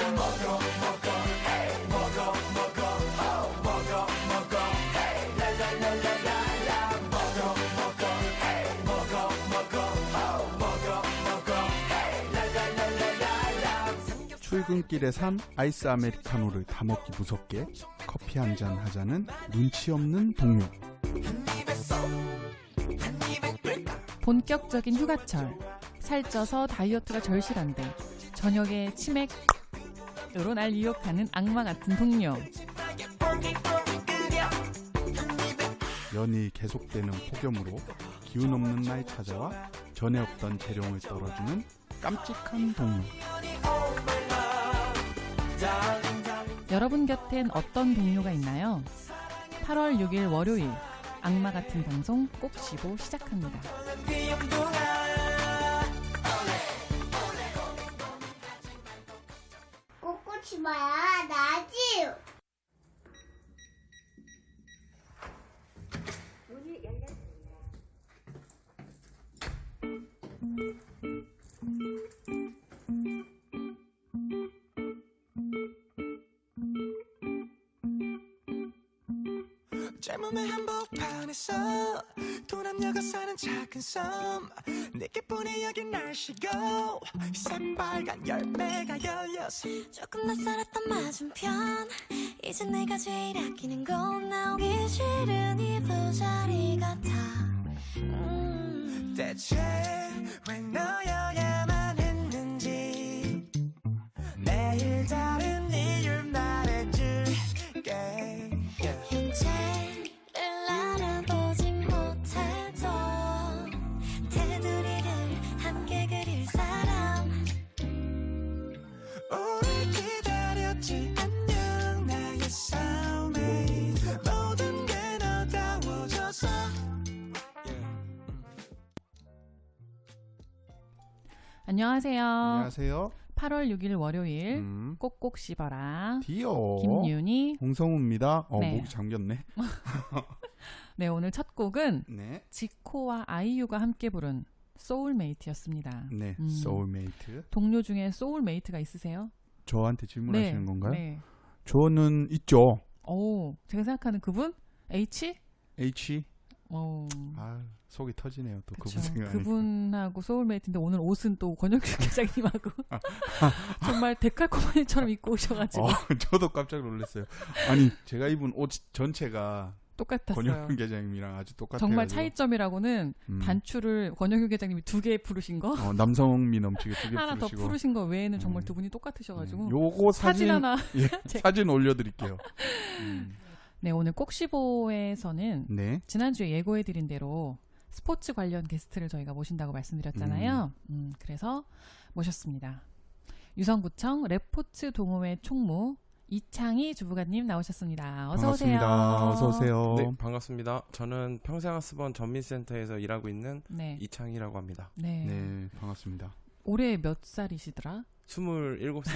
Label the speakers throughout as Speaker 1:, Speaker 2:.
Speaker 1: 출근길에 산 아이스 아메리카노를 다 먹기 무섭게 커피 한잔 하자는 눈치 없는 동료.
Speaker 2: 본격적인 휴가철, 살쪄서 다이어트가 절실한데 저녁에 치맥으로 날 유혹하는 악마 같은 동료.
Speaker 1: 연이 계속되는 폭염으로 기운 없는 날 찾아와 전에 없던 재롱을 떨어주는 깜찍한 동료.
Speaker 2: 여러분 곁엔 어떤 동료가 있나요? 8월 6일 월요일 악마 같은 방송 꼭시보 시작합니다.
Speaker 3: 꽃꽃이 봐야 나지. 문이 열렸습니다.
Speaker 4: 젊음의 한복판에서 도남녀가 사는 작은 섬 내게뿐이 여긴 날씨고 새빨간 열매가 열렸어.
Speaker 5: 조금 낯설었던 맞은편 이제 내가 제일 아끼는 건 나오기 싫은 이 부자리 같아.
Speaker 4: 대체 왜 너여야만 했는지 매일 다른 이유를 말해줄게.
Speaker 5: 현재를 알아보지 못해도 테두리를 함께 그릴 사람.
Speaker 4: 오래 기다렸지 안녕 나의 soulmate. 모든 게 너다워져서.
Speaker 2: 안녕하세요.
Speaker 1: 안녕하세요.
Speaker 2: 8월 6일 월요일 꼭꼭 씹어라.
Speaker 1: 디오
Speaker 2: 김윤희.
Speaker 1: 홍성우입니다.
Speaker 2: 네.
Speaker 1: 목이 잠겼네.
Speaker 2: 네, 오늘 첫 곡은
Speaker 1: 네.
Speaker 2: 지코와 아이유가 함께 부른 소울메이트였습니다.
Speaker 1: 네. 소울메이트.
Speaker 2: 동료 중에 소울메이트가 있으세요?
Speaker 1: 저한테 질문하시는 건가요?
Speaker 2: 네.
Speaker 1: 저는 있죠.
Speaker 2: 오, 제가 생각하는 그분? H?
Speaker 1: H.
Speaker 2: 오.
Speaker 1: 아, 속이 터지네요. 또
Speaker 2: 그쵸.
Speaker 1: 그분 생각하니까.
Speaker 2: 그분하고 소울메이트인데 오늘 옷은 또 권혁규 기자님하고 정말 데칼코마니처럼 입고 오셔가지고
Speaker 1: 저도 깜짝 놀랐어요. 아니, 제가 입은 옷 전체가
Speaker 2: 똑같았어요.
Speaker 1: 권혁규 계장님이랑 아주 똑같아요.
Speaker 2: 정말 차이점이라고는 단추를 권혁규 계장님이 2개 부르신 거
Speaker 1: 남성미 넘치게 2개
Speaker 2: 하나 더
Speaker 1: 부르시고.
Speaker 2: 부르신 거 외에는 정말 두 분이 똑같으셔가지고
Speaker 1: 요거
Speaker 2: 사진 하나
Speaker 1: 예, 사진 올려드릴게요.
Speaker 2: 네, 오늘 꼭시보에서는
Speaker 1: 네.
Speaker 2: 지난주에 예고해드린 대로 스포츠 관련 게스트를 저희가 모신다고 말씀드렸잖아요. 그래서 모셨습니다. 유성구청 레포츠 동호회 총무 이창희 주부관님 나오셨습니다. 어서 오세요.
Speaker 1: 반갑습니다. 어서 오세요.
Speaker 6: 네, 반갑습니다. 저는 평생학습원 전민센터에서 일하고 있는
Speaker 2: 네.
Speaker 6: 이창희라고 합니다.
Speaker 2: 네.
Speaker 1: 네, 반갑습니다.
Speaker 2: 올해 몇 살이시더라?
Speaker 6: 27살.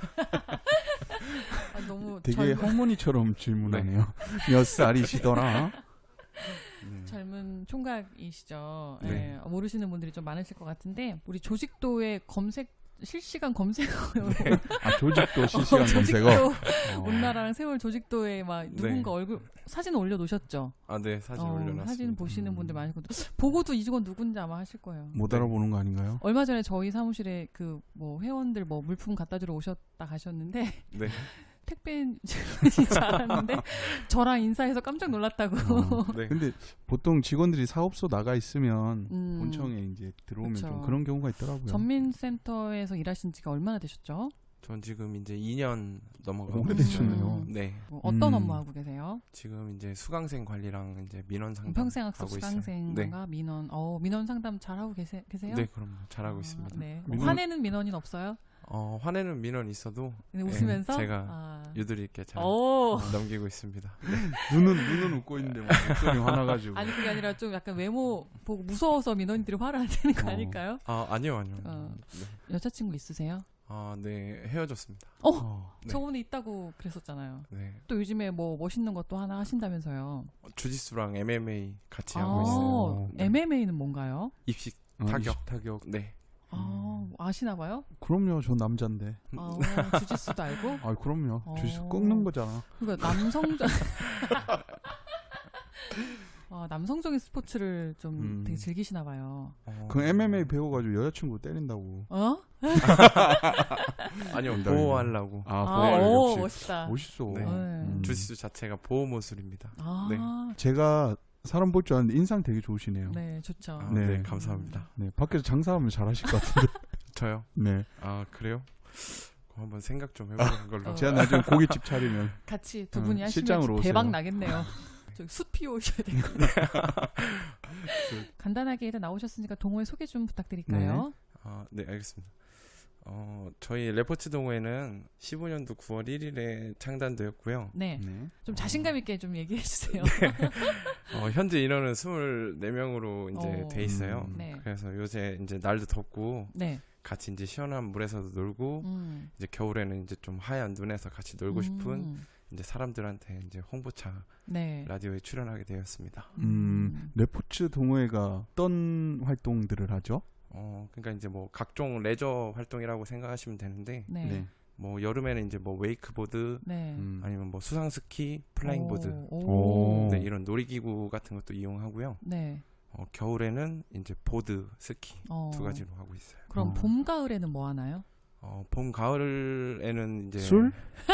Speaker 2: 아, 너무
Speaker 1: 되게 할머니처럼 질문하네요. 몇 살이시더라?
Speaker 2: 젊은 총각이시죠.
Speaker 1: 네.
Speaker 2: 네, 모르시는 분들이 좀 많으실 것 같은데 우리 조직도의 실시간 검색어요.
Speaker 1: 아, 조직도 실시간 검색어.
Speaker 2: 조직도 온나라랑 세월 조직도에 막 누군가 얼굴 사진 올려놓으셨죠.
Speaker 6: 아, 네, 사진 올려놨습니다.
Speaker 2: 사진 보시는 분들 많으시거든요. 보고도 이건 누군지 아마 하실 거예요.
Speaker 1: 못 알아보는 거 아닌가요?
Speaker 2: 얼마 전에 저희 사무실에 그 뭐 회원들 뭐 물품 갖다 주러 오셨다 가셨는데
Speaker 6: 네.
Speaker 2: 택배인 줄 알았는데 저랑 인사해서 깜짝 놀랐다고.
Speaker 6: 네.
Speaker 1: 근데 보통 직원들이 사업소 나가 있으면 본청에 이제 들어오면
Speaker 2: 그쵸.
Speaker 1: 좀 그런 경우가 있더라고요.
Speaker 2: 전민센터에서 일하신 지가 얼마나 되셨죠?
Speaker 6: 전 지금 이제 2년 넘어가고
Speaker 1: 오래되셨네요.
Speaker 6: 있어요. 네.
Speaker 2: 뭐 어떤 업무 하고 계세요?
Speaker 6: 지금 이제 수강생 관리랑 이제 민원 상담
Speaker 2: 평생학습
Speaker 6: 하고 있어요.
Speaker 2: 수강생과
Speaker 6: 네.
Speaker 2: 민원 상담 잘하고 계세요?
Speaker 6: 네, 그럼 잘하고 있습니다.
Speaker 2: 네.
Speaker 1: 민원-
Speaker 2: 화내는 민원인 없어요?
Speaker 6: 화내는 민원 있어도
Speaker 2: 근데
Speaker 6: 네,
Speaker 2: 웃으면서
Speaker 6: 제가 유두리 있게 잘
Speaker 2: 오.
Speaker 6: 넘기고 있습니다.
Speaker 1: 눈은 웃고 있는데 막 목소리 화나가지고.
Speaker 2: 아니 그게 아니라 좀 약간 외모 보고 무서워서 민원인들이 화를 안 내는 거 아닐까요?
Speaker 6: 아니요. 네.
Speaker 2: 여자친구 있으세요?
Speaker 6: 네, 헤어졌습니다. 네.
Speaker 2: 저번에 있다고 그랬었잖아요.
Speaker 6: 네.
Speaker 2: 또 요즘에 뭐 멋있는 것도 하나 하신다면서요?
Speaker 6: 주짓수랑 MMA 같이 하고 있어요. 네.
Speaker 2: MMA는 뭔가요?
Speaker 6: 입식
Speaker 1: 입식
Speaker 6: 타격. 네.
Speaker 2: 아시나 봐요?
Speaker 1: 그럼요. 저 남자인데.
Speaker 2: 주짓수도 알고?
Speaker 1: 아, 그럼요.
Speaker 2: 어.
Speaker 1: 주식 꺾는 거잖아.
Speaker 2: 그러니까 남성적 남성적인 스포츠를 좀 되게 즐기시나 봐요.
Speaker 1: 그 MMA 배워가지고 여자친구 때린다고.
Speaker 2: 어?
Speaker 6: 아니요,
Speaker 1: 농담이네.
Speaker 6: 보호하려고.
Speaker 2: 오,
Speaker 1: 역시
Speaker 2: 멋있다.
Speaker 1: 멋있어.
Speaker 6: 네. 주짓수 자체가 보호 모술입니다. 네.
Speaker 1: 제가 사람 볼 줄 아는데 인상 되게 좋으시네요.
Speaker 2: 네, 좋죠.
Speaker 6: 아,
Speaker 1: 네.
Speaker 6: 네, 감사합니다.
Speaker 1: 네, 밖에서 장사하면 잘하실 것 같은데.
Speaker 6: 저요?
Speaker 1: 네.
Speaker 6: 아, 그래요? 그럼 한번 생각 좀 해보는 걸로.
Speaker 1: 제가 나중에 고깃집 차리면
Speaker 2: 같이 두 분이 하시면
Speaker 1: 실장으로
Speaker 2: 대박
Speaker 1: 오세요.
Speaker 2: 나겠네요. 저기 숯 피우셔야 되고. 간단하게 일단 나오셨으니까 동호회 소개 좀 부탁드릴까요?
Speaker 6: 네, 알겠습니다. 저희 레포츠 동호회는 15년도 9월 1일에 창단되었고요.
Speaker 2: 네.
Speaker 1: 네.
Speaker 2: 좀 자신감 있게 좀 얘기해 주세요.
Speaker 6: 현재 인원은 24명으로 이제
Speaker 2: 어.
Speaker 6: 돼 있어요.
Speaker 2: 네.
Speaker 6: 그래서 요새 이제 날도 덥고
Speaker 2: 네.
Speaker 6: 같이 이제 시원한 물에서도 놀고 이제 겨울에는 이제 좀 하얀 눈에서 같이 놀고 싶은 이제 사람들한테 이제 홍보차
Speaker 2: 네.
Speaker 6: 라디오에 출연하게 되었습니다.
Speaker 1: 레포츠 동호회가 어떤 활동들을 하죠?
Speaker 6: 그러니까 이제 뭐 각종 레저 활동이라고 생각하시면 되는데
Speaker 2: 네.
Speaker 6: 뭐 여름에는 이제 뭐 웨이크보드
Speaker 2: 네.
Speaker 6: 아니면 뭐 수상 스키, 플라잉보드
Speaker 2: 오.
Speaker 6: 네, 이런 놀이기구 같은 것도 이용하고요.
Speaker 2: 네.
Speaker 6: 겨울에는 이제 보드, 스키 두
Speaker 2: 어.
Speaker 6: 가지로 하고 있어요.
Speaker 2: 그럼 봄, 가을에는 뭐 하나요?
Speaker 6: 봄, 가을에는 이제
Speaker 1: 술?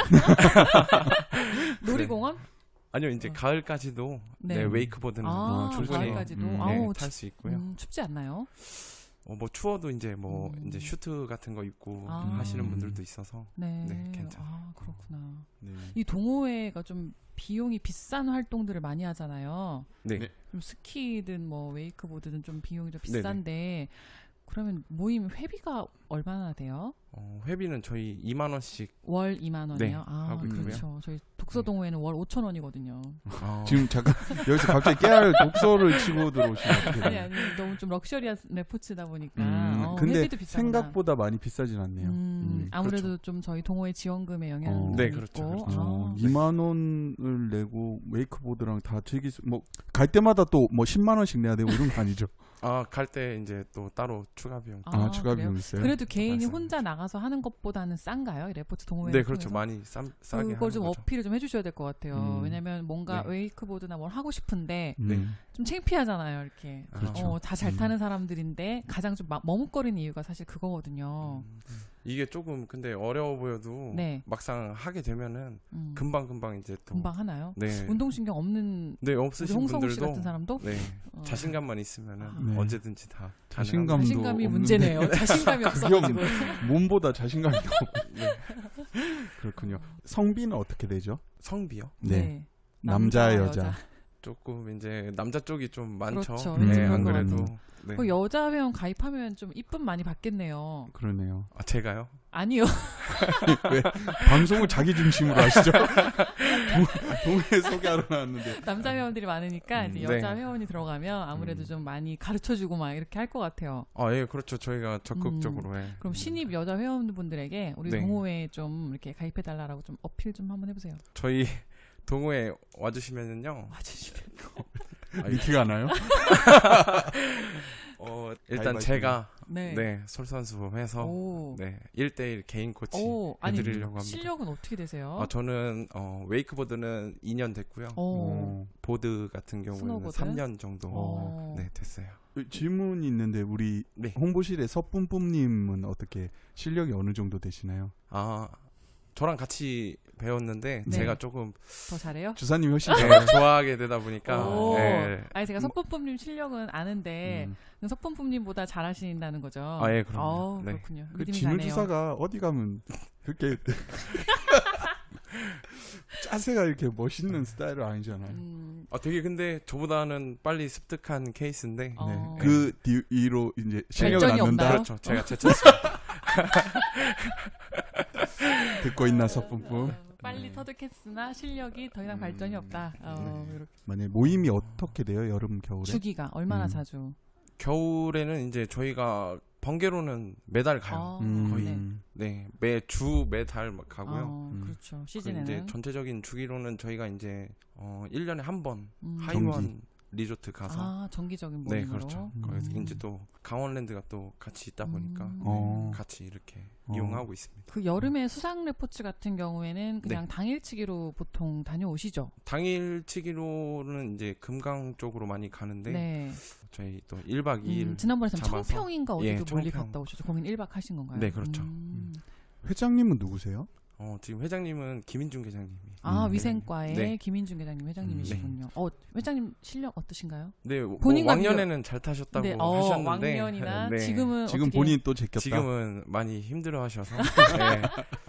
Speaker 2: 놀이공원?
Speaker 6: 아니요, 이제 가을까지도 네, 웨이크보드는 충분히
Speaker 2: 가을까지도.
Speaker 6: 네, 탈 수 있고요.
Speaker 2: 춥지 않나요?
Speaker 6: 뭐 추워도 이제 뭐 이제 슈트 같은 거 입고
Speaker 2: 아.
Speaker 6: 하시는 분들도 있어서
Speaker 2: 네.
Speaker 6: 괜찮아요.
Speaker 2: 그렇구나.
Speaker 1: 네.
Speaker 2: 이 동호회가 좀 비용이 비싼 활동들을 많이 하잖아요.
Speaker 6: 네.
Speaker 1: 네.
Speaker 2: 좀 스키든 뭐 웨이크보드든 좀 비용이 좀 비싼데 그러면 모임 회비가 얼마나 돼요?
Speaker 6: 회비는 저희 2만 원씩
Speaker 2: 월 2만 원이요?
Speaker 6: 네,
Speaker 2: 아,
Speaker 6: 하고 있고요.
Speaker 2: 그렇죠. 저희 독서 동호회는 월 5천 원이거든요.
Speaker 1: 지금 잠깐 여기서 갑자기 깨알 독서를 치고 들어오시면 어떻게 돼요?
Speaker 2: 아니 너무 좀 럭셔리한 레포츠다 보니까
Speaker 1: 근데
Speaker 2: 회비도 비싸구나.
Speaker 1: 생각보다 많이 비싸진 않네요.
Speaker 2: 아무래도
Speaker 6: 그렇죠.
Speaker 2: 좀 저희 동호회 지원금에 영향이
Speaker 6: 네,
Speaker 2: 있고
Speaker 6: 그렇죠, 그렇죠.
Speaker 1: 2만 원을 내고 웨이크보드랑 다 즐길 수, 뭐 갈 때마다 또 뭐 10만 원씩 내야 되고 이런 거 아니죠?
Speaker 6: 갈 때 이제 또 따로 추가 비용.
Speaker 1: 추가
Speaker 2: 그래요?
Speaker 1: 비용 있어요?
Speaker 2: 그래도 개인이
Speaker 6: 맞습니다.
Speaker 2: 혼자 나가서 하는 것보다는 싼가요? 이 레포츠 동호회
Speaker 6: 네, 그렇죠. 많이 싸게
Speaker 2: 그걸
Speaker 6: 하는
Speaker 2: 좀
Speaker 6: 거죠.
Speaker 2: 어필을 좀 해주셔야 될 것 같아요. 왜냐면 뭔가
Speaker 6: 네.
Speaker 2: 웨이크보드나 뭘 하고 싶은데
Speaker 1: 네.
Speaker 2: 좀 창피하잖아요. 이렇게
Speaker 6: 그렇죠.
Speaker 2: 다 잘 타는 사람들인데 가장 좀 머뭇거리는 이유가 사실 그거거든요.
Speaker 6: 이게 조금 근데 어려워 보여도
Speaker 2: 네.
Speaker 6: 막상 하게 되면은
Speaker 2: 음.
Speaker 6: 금방 이제 또
Speaker 2: 금방 하나요?
Speaker 6: 네.
Speaker 2: 운동신경 없는
Speaker 6: 네,
Speaker 2: 우리
Speaker 6: 없으신
Speaker 2: 홍성우 씨
Speaker 6: 분들도
Speaker 2: 같은 사람도
Speaker 6: 네. 자신감만 있으면은
Speaker 1: 네.
Speaker 6: 언제든지 다
Speaker 1: 자신감도
Speaker 2: 자신감이
Speaker 1: 없는데
Speaker 2: 문제네요. 자신감이 없어가지고.
Speaker 1: 몸보다 자신감이 없고.
Speaker 6: 네.
Speaker 1: 그렇군요. 성비는 어떻게 되죠?
Speaker 6: 성비요?
Speaker 1: 네. 남자, 여자.
Speaker 6: 조금 이제 남자 쪽이 좀 많죠.
Speaker 2: 그렇죠.
Speaker 1: 왠지
Speaker 6: 네,
Speaker 1: 그런
Speaker 6: 안
Speaker 1: 것
Speaker 6: 그래도.
Speaker 1: 같아요.
Speaker 6: 네.
Speaker 2: 그 여자 회원 가입하면 좀 이쁨 많이 받겠네요.
Speaker 1: 그러네요.
Speaker 6: 제가요?
Speaker 2: 아니요.
Speaker 1: 왜 방송을 자기 중심으로 하시죠? 동해 소개하러 나왔는데.
Speaker 2: 남자 회원들이 많으니까 이제
Speaker 6: 네.
Speaker 2: 여자 회원이 들어가면 아무래도 좀 많이 가르쳐주고 막 이렇게 할 것 같아요.
Speaker 6: 예, 그렇죠. 저희가 적극적으로 해.
Speaker 2: 그럼 신입 여자 회원분들에게 우리
Speaker 6: 네.
Speaker 2: 동호회에 좀 이렇게 가입해달라고 좀 어필 좀 한번 해보세요.
Speaker 6: 저희 동호회 와주시면은요.
Speaker 2: 와주시면.
Speaker 1: 미티가 나요?
Speaker 6: 일단
Speaker 1: 가위바위보.
Speaker 6: 제가
Speaker 2: 네.
Speaker 6: 솔선수범해서
Speaker 2: 오.
Speaker 6: 네, 1대1 개인 코치
Speaker 2: 아니
Speaker 6: 해드리려고 합니다.
Speaker 2: 실력은 어떻게 되세요?
Speaker 6: 저는 웨이크보드는 2년 됐고요. 보드 같은 경우에는
Speaker 2: 스노보드?
Speaker 6: 3년 정도 네, 됐어요.
Speaker 1: 질문이 있는데 우리
Speaker 6: 네.
Speaker 1: 홍보실의 서뿜뿜님은 어떻게 실력이 어느 정도 되시나요?
Speaker 6: 저랑 같이 배웠는데
Speaker 2: 네.
Speaker 6: 제가 조금
Speaker 2: 더 잘해요?
Speaker 1: 주사님 훨씬
Speaker 6: 좋아하게 되다 보니까
Speaker 2: 오.
Speaker 6: 네.
Speaker 2: 아니 제가 석범쁨님 실력은 아는데 석범쁨님보다 잘하신다는 거죠.
Speaker 6: 예, 그럼요. 네.
Speaker 2: 그렇군요.
Speaker 1: 그
Speaker 2: 믿음이
Speaker 1: 진우
Speaker 2: 가네요.
Speaker 1: 주사가 어디 가면 그렇게 짜세가 이렇게 멋있는 스타일은 아니잖아요.
Speaker 6: 되게 근데 저보다는 빨리 습득한 케이스인데
Speaker 2: 어.
Speaker 1: 그 뒤로 이제 실력을
Speaker 2: 발전이
Speaker 1: 낳는다.
Speaker 2: 없나요?
Speaker 6: 그렇죠. 제가 제쳤습니다.
Speaker 1: 듣고 있나 서뿜뿜.
Speaker 2: 빨리 터득했으나 실력이 더 이상 발전이 없다. 이렇게.
Speaker 1: 만약 모임이 어떻게 돼요? 여름 겨울에?
Speaker 2: 주기가 얼마나 자주?
Speaker 6: 겨울에는 이제 저희가 번개로는 매달 가요. 거의 네, 매주 매달 막 가고요.
Speaker 2: 그렇죠.
Speaker 6: 그
Speaker 2: 시즌에는
Speaker 6: 이제 전체적인 주기로는 저희가 이제 1년에 한 번
Speaker 1: 정기.
Speaker 6: 하이원 리조트 가서
Speaker 2: 아, 정기적인
Speaker 6: 네,
Speaker 2: 모임으로.
Speaker 6: 그렇죠. 거기서 이제 또 강원랜드가 또 같이 있다 보니까 같이 이렇게
Speaker 1: 어.
Speaker 6: 이용하고 있습니다.
Speaker 2: 그 여름에 수상 레포츠 같은 경우에는 그냥 당일치기로 보통 다녀오시죠?
Speaker 6: 당일치기로는 이제 금강 쪽으로 많이 가는데
Speaker 2: 네.
Speaker 6: 저희 또 1박 2일
Speaker 2: 지난번에
Speaker 6: 잡아서.
Speaker 2: 청평인가 어디도
Speaker 6: 예,
Speaker 2: 멀리
Speaker 6: 청평.
Speaker 2: 갔다 오셨죠? 거긴 1박 하신 건가요?
Speaker 6: 네, 그렇죠.
Speaker 1: 회장님은 누구세요?
Speaker 6: 지금 회장님은 김인중 회장님이.
Speaker 2: 아,
Speaker 1: 네.
Speaker 2: 위생과의
Speaker 6: 네.
Speaker 2: 김인중 회장님 회장님이시군요. 회장님 실력 어떠신가요?
Speaker 6: 네, 뭐
Speaker 2: 본인과
Speaker 6: 왕년에는 잘 타셨다고
Speaker 2: 네,
Speaker 6: 하셨는데
Speaker 2: 왕년이나
Speaker 6: 네.
Speaker 2: 지금은
Speaker 1: 지금
Speaker 2: 어떻게
Speaker 1: 본인 또 제꼈다.
Speaker 6: 지금은 많이 힘들어하셔서 네.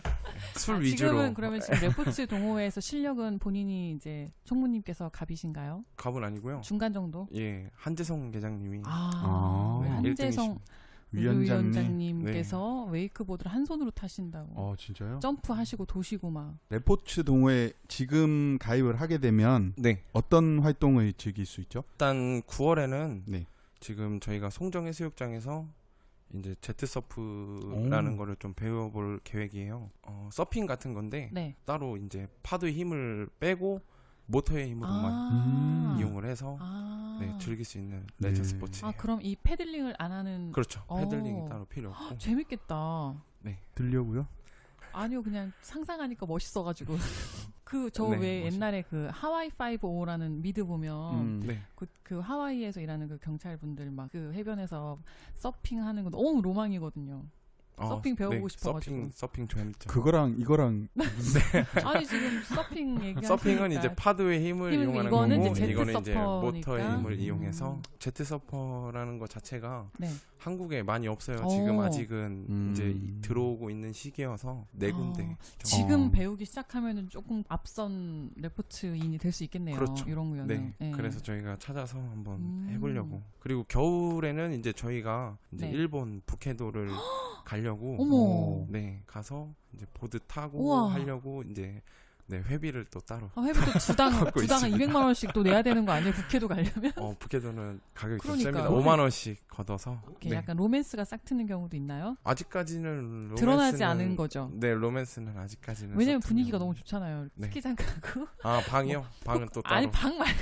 Speaker 6: 술 위주로
Speaker 2: 지금은 그러면 지금 레포츠 동호회에서 실력은 본인이 이제 총무님께서 갑이신가요?
Speaker 6: 갑은 아니고요.
Speaker 2: 중간 정도?
Speaker 6: 예, 한재성 계장님이
Speaker 2: 우리 한재성
Speaker 1: 위원장님.
Speaker 2: 위원장님께서 웨이크보드를 한 손으로 타신다고.
Speaker 1: 진짜요?
Speaker 2: 점프하시고 도시고 막.
Speaker 1: 레포츠 동호회 지금 가입을 하게 되면
Speaker 6: 네,
Speaker 1: 어떤 활동을 즐길 수 있죠?
Speaker 6: 일단 9월에는
Speaker 1: 네.
Speaker 6: 지금 저희가 송정해수욕장에서 이제 제트 서프라는 거를 좀 배워볼 계획이에요. 서핑 같은 건데
Speaker 2: 네.
Speaker 6: 따로 이제 파도의 힘을 빼고 모터의 힘으로만 이용을 해서 네, 즐길 수 있는 레저
Speaker 1: 네.
Speaker 6: 스포츠.
Speaker 2: 그럼 이 패들링을 안 하는.
Speaker 6: 그렇죠. 패들링이 따로 필요 없고.
Speaker 2: 재밌겠다.
Speaker 1: 들려고요?
Speaker 2: 아니요, 그냥 상상하니까 멋있어가지고. 저
Speaker 6: 네,
Speaker 2: 왜
Speaker 6: 멋있-
Speaker 2: 옛날에 그 하와이 5라는 미드 보면
Speaker 6: 네.
Speaker 2: 그 하와이에서 일하는 그 경찰분들 막 그 해변에서 서핑하는 거 너무 로망이거든요. 서핑 배워보고 싶어가지고.
Speaker 6: 서핑 재밌죠.
Speaker 1: 그거랑 이거랑
Speaker 2: 아니 지금 서핑 얘기하니까
Speaker 6: 서핑은 이제 파도의 힘을 이용하는
Speaker 2: 이거는
Speaker 6: 거고
Speaker 2: 이제 제트
Speaker 6: 이거는 이제
Speaker 2: 서퍼니까.
Speaker 6: 모터의 힘을 이용해서 제트 서퍼라는 것 자체가
Speaker 2: 네.
Speaker 6: 한국에 많이 없어요.
Speaker 2: 오.
Speaker 6: 지금 아직은 이제
Speaker 1: 음.
Speaker 6: 들어오고 있는 시기여서 네 군데.
Speaker 2: 지금
Speaker 1: 어.
Speaker 2: 배우기 시작하면은 조금 앞선 레포츠인이 될 수 있겠네요.
Speaker 6: 그렇죠.
Speaker 2: 이런 거는.
Speaker 6: 네. 그래서 저희가 찾아서 한번
Speaker 2: 음.
Speaker 6: 해보려고. 그리고 겨울에는 이제 저희가 이제
Speaker 2: 네.
Speaker 6: 일본 북해도를 가려고.
Speaker 2: 어머.
Speaker 6: 네, 가서 이제 보드 타고
Speaker 2: 우와.
Speaker 6: 하려고 이제 네, 회비를 또 따로.
Speaker 2: 회비도 주당
Speaker 6: 갖고
Speaker 2: 주당은
Speaker 6: 있습니다.
Speaker 2: 200만 원씩 또 내야 되는 거 아니에요? 북해도 가려면?
Speaker 6: 북해도는 가격이 좀
Speaker 2: 그러니까요.
Speaker 6: 셉니다. 5만 원씩 걷어서.
Speaker 2: 이렇게
Speaker 6: 네.
Speaker 2: 약간 로맨스가 싹 트는 경우도 있나요?
Speaker 6: 아직까지는 로맨스는
Speaker 2: 드러나지 않은 거죠.
Speaker 6: 네, 로맨스는 아직까지는.
Speaker 2: 왜냐면
Speaker 6: 서툰
Speaker 2: 분위기가
Speaker 6: 거.
Speaker 2: 너무 좋잖아요.
Speaker 6: 네.
Speaker 2: 스키장 가고.
Speaker 6: 방이요? 방은 또 따로.
Speaker 2: 아니 방 말고.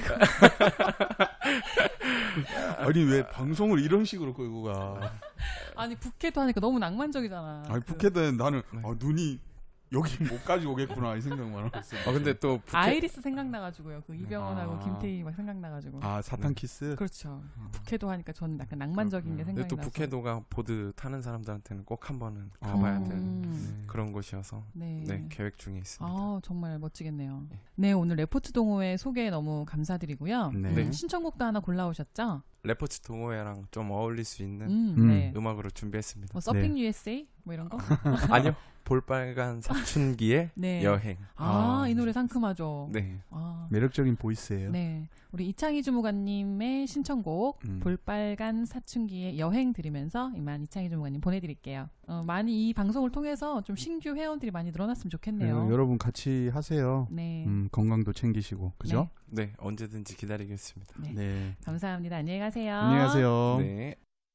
Speaker 1: 아니 왜 방송을 이런 식으로 끌고 가?
Speaker 2: 아니 북해도 하니까 너무 낭만적이잖아.
Speaker 1: 아니 북해는 나는
Speaker 6: 네.
Speaker 1: 눈이 여기 못까지 오겠구나 이 생각만 하고 있어요.
Speaker 6: 근데 또 북해
Speaker 2: 아이리스 생각나가지고요. 그 이병헌하고
Speaker 1: 아.
Speaker 2: 김태희 막 생각나가지고.
Speaker 1: 사탄 키스.
Speaker 2: 그렇죠. 북해도 하니까 저는 약간 낭만적인 게
Speaker 6: 근데
Speaker 2: 생각이
Speaker 6: 또
Speaker 2: 나서.
Speaker 6: 북해도가 보드 타는 사람들한테는 꼭 한 번은 가봐야 되는 그런 곳이어서
Speaker 2: 네.
Speaker 6: 네, 계획 중에 있습니다.
Speaker 2: 정말 멋지겠네요. 네, 오늘 레포츠 동호회 소개 너무 감사드리고요.
Speaker 1: 네.
Speaker 2: 신청곡도 하나 골라오셨죠?
Speaker 6: 레포츠 동호회랑 좀 어울릴 수 있는
Speaker 2: 네.
Speaker 6: 음악으로 준비했습니다.
Speaker 2: 뭐 서핑 USA 뭐 이런 거?
Speaker 6: 아니요. 볼빨간 사춘기의
Speaker 2: 네.
Speaker 6: 여행.
Speaker 2: 이 노래 상큼하죠.
Speaker 6: 네.
Speaker 1: 매력적인 보이스예요.
Speaker 2: 네, 우리 이창희 주무관님의 신청곡
Speaker 1: 음.
Speaker 2: 볼빨간 사춘기의 여행 들으면서 이만 이창희 주무관님 보내드릴게요. 많이 이 방송을 통해서 좀 신규 회원들이 많이 늘어났으면 좋겠네요.
Speaker 1: 여러분 같이 하세요.
Speaker 2: 네.
Speaker 1: 건강도 챙기시고 그죠?
Speaker 6: 네, 언제든지 기다리겠습니다.
Speaker 2: 네.
Speaker 1: 네.
Speaker 2: 감사합니다. 안녕히 가세요.
Speaker 1: 안녕히 가세요.
Speaker 6: 네.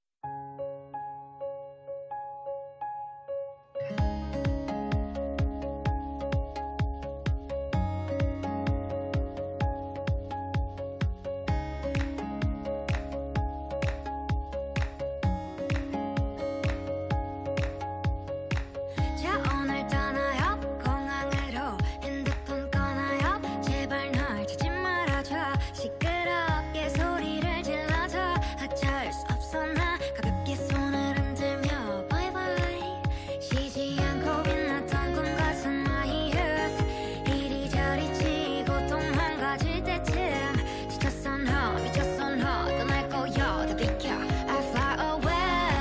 Speaker 5: 자 오늘 떠나요 공항으로 핸드폰 꺼나요 제발 널 찾지 말아줘 시끄럽게 소리를 질러줘 어쩔 수 없어 나 가볍게 손을 흔들며 바이바이 쉬지 않고 빛났던 꿈 같은 my youth 이리저리 치고 도망가질 때쯤 지쳤어 너 미쳤어 너 떠날 거야 다 비켜 I fly away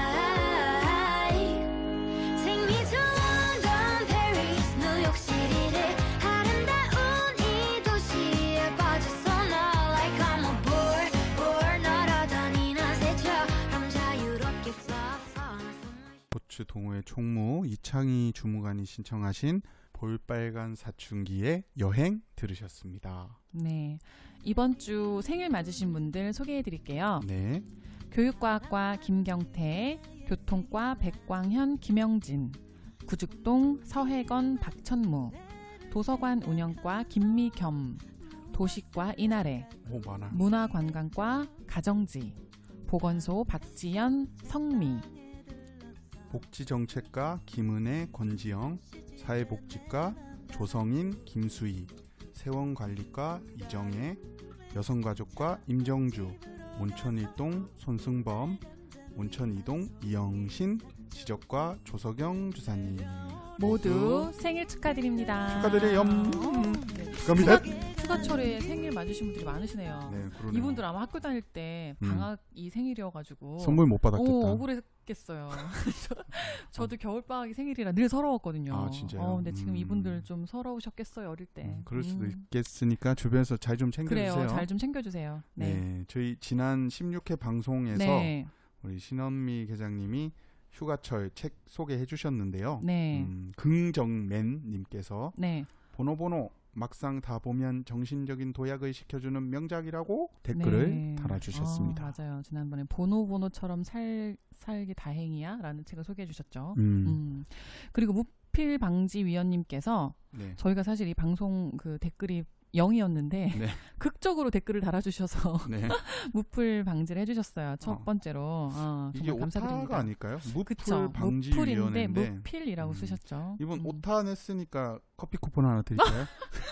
Speaker 5: Take me to London, Paris, 뉴욕시티를 아름다운 이 도시에 빠졌어 너 Like I'm a board 날아다니는 새처럼 자유롭게 fly
Speaker 1: 스포츠 동호회 총무 이창희 주무관이 신청하신 볼빨간 사춘기의 여행 들으셨습니다.
Speaker 2: 네, 이번 주 생일 맞으신 분들 소개해드릴게요.
Speaker 1: 네.
Speaker 2: 교육과학과 김경태, 교통과 백광현, 김영진, 구죽동 서혜건, 박천무, 도서관 운영과 김미겸, 도시과 이나래,
Speaker 1: 오, 많아.
Speaker 2: 문화관광과 가정지, 보건소 박지연, 성미,
Speaker 1: 복지정책과 김은혜, 권지영, 사회복지과 조성인, 김수희, 세원관리과 이정혜, 여성가족과 임정주, 온천일동 손승범, 온천이동 이영신, 지적과 조석영 주사님
Speaker 2: 모두 생일 축하드립니다.
Speaker 1: 축하드려요.
Speaker 2: 네.
Speaker 1: 축하합니다.
Speaker 2: 휴가철에 생일 맞으신 분들이 많으시네요.
Speaker 1: 네, 그러네요.
Speaker 2: 이분들 아마 학교 다닐 때 방학이 생일이어가지고
Speaker 1: 선물 못 받았겠다.
Speaker 2: 억울했겠어요. 저도 겨울방학이 생일이라 늘 서러웠거든요.
Speaker 1: 아, 진짜요?
Speaker 2: 근데 지금 이분들 좀 서러우셨겠어요, 어릴 때.
Speaker 1: 그럴 수도 있겠으니까 주변에서 잘 좀 챙겨주세요.
Speaker 2: 그래요, 잘 좀 챙겨주세요. 네.
Speaker 1: 네, 저희 지난 16회 방송에서
Speaker 2: 네.
Speaker 1: 우리 신원미 계장님이 휴가철 책 소개해 주셨는데요.
Speaker 2: 네.
Speaker 1: 긍정맨님께서
Speaker 2: 네.
Speaker 1: 보노보노 막상 다 보면 정신적인 도약을 시켜주는 명작이라고 댓글을
Speaker 2: 네.
Speaker 1: 달아주셨습니다.
Speaker 2: 맞아요. 지난번에 보노보노처럼 살기 다행이야 라는 책을 소개해 주셨죠. 그리고 무필방지위원님께서
Speaker 1: 네.
Speaker 2: 저희가 사실 이 방송 그 댓글이 0이었는데
Speaker 1: 네.
Speaker 2: 극적으로 댓글을 달아주셔서
Speaker 1: 네.
Speaker 2: 무풀 방지를 해주셨어요. 첫 번째로.
Speaker 1: 이게
Speaker 2: 정말 감사드립니다.
Speaker 1: 오타가 아닐까요? 무풀
Speaker 2: 그쵸.
Speaker 1: 방지위원회인데
Speaker 2: 무풀인데 무필이라고 쓰셨죠.
Speaker 1: 이분 오타 냈으니까 커피 쿠폰 하나 드릴까요?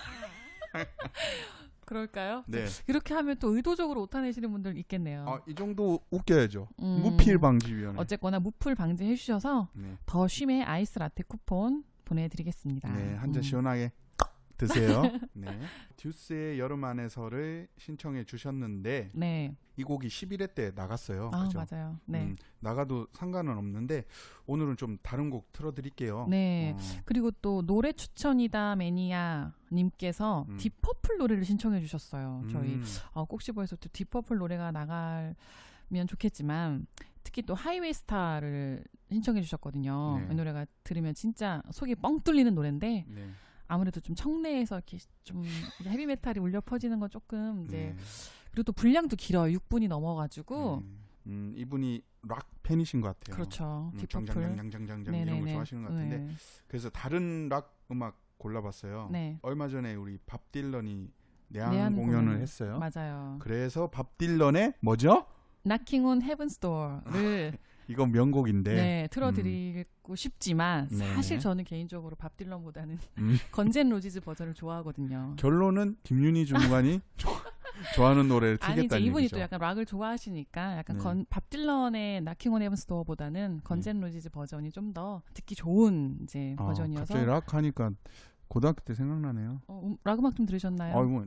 Speaker 2: 그럴까요?
Speaker 1: 네.
Speaker 2: 이렇게 하면 또 의도적으로 오타 내시는 분들 있겠네요.
Speaker 1: 이 정도 웃겨야죠. 무필 방지위원회.
Speaker 2: 어쨌거나 무풀 방지 해주셔서
Speaker 1: 네.
Speaker 2: 더 쉼의 아이스 라떼 쿠폰 보내드리겠습니다.
Speaker 1: 네, 한 잔 시원하게 드세요. 네. 듀스의 여름 안에서를 신청해 주셨는데
Speaker 2: 네.
Speaker 1: 이 곡이 11회 때 나갔어요. 그죠?
Speaker 2: 맞아요. 네.
Speaker 1: 나가도 상관은 없는데 오늘은 좀 다른 곡 틀어드릴게요.
Speaker 2: 네. 그리고 또 노래 추천이다 매니아 님께서 딥퍼플 노래를 신청해 주셨어요. 저희 꼭시버에서 또 딥퍼플 노래가 나가면 좋겠지만 특히 또 하이웨이 스타를 신청해 주셨거든요.
Speaker 1: 네.
Speaker 2: 이 노래가 들으면 진짜 속이 뻥 뚫리는 노래인데
Speaker 1: 네.
Speaker 2: 아무래도 좀 청내에서 이렇게 좀 헤비메탈이 울려 퍼지는 건 조금 이제
Speaker 1: 네.
Speaker 2: 그리고 또 분량도 길어요. 6분이 넘어가지고
Speaker 1: 이분이 락 팬이신 것 같아요.
Speaker 2: 그렇죠. 딥퍼플
Speaker 1: 장장장장장장 이런 거 좋아하시는 것 같은데
Speaker 2: 네.
Speaker 1: 그래서 다른 락 음악 골라봤어요.
Speaker 2: 네.
Speaker 1: 얼마 전에 우리 밥 딜런이 내한
Speaker 2: 내한
Speaker 1: 공연을 했어요.
Speaker 2: 맞아요.
Speaker 1: 그래서 밥 딜런의 뭐죠?
Speaker 2: Knocking on Heaven's Door를
Speaker 1: 이건 명곡인데
Speaker 2: 네, 틀어드리고 싶지만
Speaker 1: 네네.
Speaker 2: 사실 저는 개인적으로 밥 딜런보다는
Speaker 1: 음.
Speaker 2: 건젠 로지즈 버전을 좋아하거든요.
Speaker 1: 결론은 김윤희 주무관이 좋아하는 노래를
Speaker 2: 아니
Speaker 1: 틀겠다는
Speaker 2: 이제 이분이
Speaker 1: 얘기죠.
Speaker 2: 또 약간 락을 좋아하시니까 약간
Speaker 1: 네.
Speaker 2: 밥 딜런의 Knocking on Heaven's Door보다는 건젠 로지즈 버전이 좀 더 듣기 좋은 이제 버전이어서
Speaker 1: 갑자기 락 하니까 고등학교 때 생각나네요.
Speaker 2: 락 음악 좀 들으셨나요?
Speaker 1: 아이고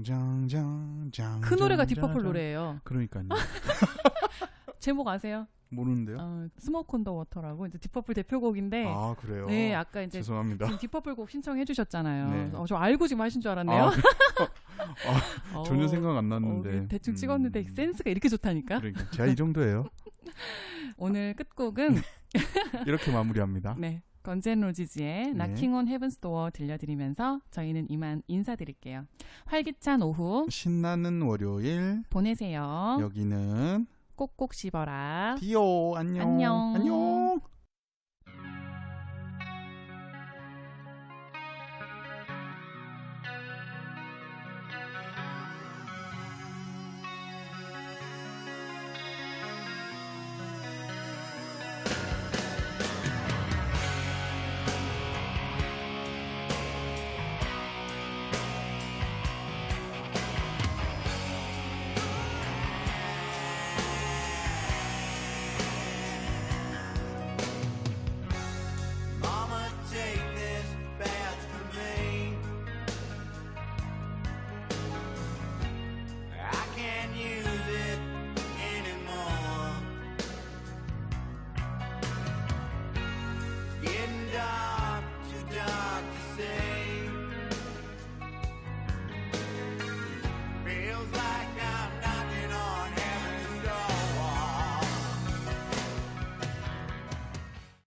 Speaker 1: 짱짱짱짱
Speaker 2: 그 노래가 딥퍼플 노래예요.
Speaker 1: 그러니까요.
Speaker 2: 제목 아세요?
Speaker 1: 모르는데요?
Speaker 2: 스모크 온 더 워터라고 이제 딥퍼플 대표곡인데
Speaker 1: 아 그래요?
Speaker 2: 네, 아까 이제
Speaker 1: 죄송합니다.
Speaker 2: 지금 딥퍼플 곡 신청해 주셨잖아요.
Speaker 1: 네.
Speaker 2: 저 알고 지금 하신 줄 알았네요.
Speaker 1: 전혀 생각 안 났는데
Speaker 2: 대충 찍었는데 센스가 이렇게 좋다니까.
Speaker 1: 그러니까 제가 이 정도예요.
Speaker 2: 오늘 끝곡은
Speaker 1: 이렇게 마무리합니다.
Speaker 2: 네, 건젠 로지즈의 Knocking on Heaven's Door 들려드리면서 저희는 이만 인사드릴게요. 활기찬 오후
Speaker 1: 신나는 월요일
Speaker 2: 보내세요.
Speaker 1: 여기는
Speaker 2: 꼭꼭 씹어라.
Speaker 1: 디오 안녕.
Speaker 2: 안녕.
Speaker 1: 안녕.